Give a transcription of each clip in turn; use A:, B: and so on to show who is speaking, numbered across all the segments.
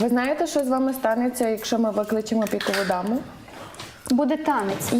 A: Ви знаєте, що з вами станеться, якщо ми викличемо пікову даму?
B: Буде танець.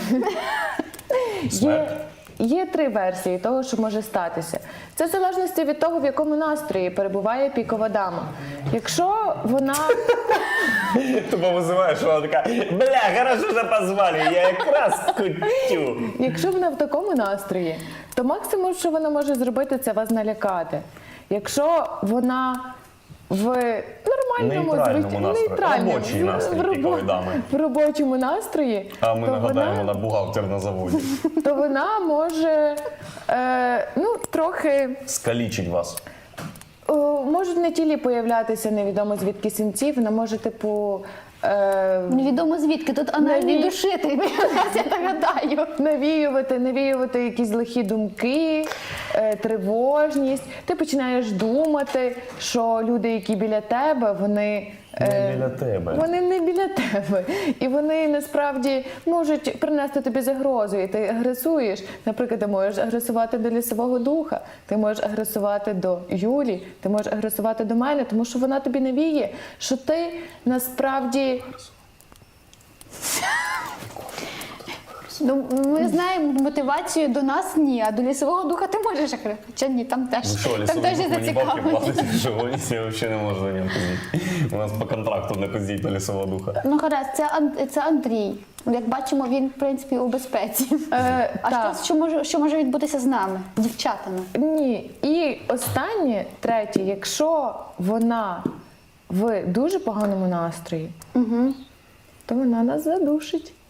A: Є три версії того, що може статися. Це в залежності від того, в якому настрої перебуває пікова дама. Якщо вона...
C: Тупо визиваєш, що вона така, бля, хорошо, що позвали, я якраз кутю.
A: Якщо вона в такому настрої, то максимум, що вона може зробити, це вас налякати. Якщо вона в нормальному,
C: Нейтральному настрої. Робочий настрій пікової дами.
A: в робочому настрої,
C: А ми
A: то
C: нагадаємо,
A: вона,
C: вона бухгалтер на заводі.
A: то вона може трохи...
C: Скалічить вас.
A: Можуть на тілі появлятися невідомо звідки синці, вона може,
B: Невідомо звідки, тут анальний душитель, я так гадаю.
A: навіювати якісь лихі думки, тривожність. Ти починаєш думати, що люди, які біля тебе, вони...
C: Не біля тебе.
A: Вони не біля тебе. І вони насправді можуть принести тобі загрозу. І ти агресуєш. Наприклад, ти можеш агресувати до лісового духа, ти можеш агресувати до Юлі, ти можеш агресувати до мене, тому що вона тобі навіє, що ти насправді...
B: Ну, ми знаємо мотивацію до нас ні, а до лісового духа ти можеш агресувати. Хоча ні, там теж.
C: Ну що,
B: Там
C: лісовий
B: теж
C: дух мені бабки
B: зацікавлені.
C: платить, що я взагалі не можу на ньому козити. У нас по контракту не козіть на лісового духа.
B: Ну гаразд, це Андрій. Як бачимо, він, в принципі, у безпеці.
A: так.
B: Що може відбутися з нами, дівчатами?
A: Ні. І останнє, третє, якщо вона в дуже поганому настрої, то вона нас задушить.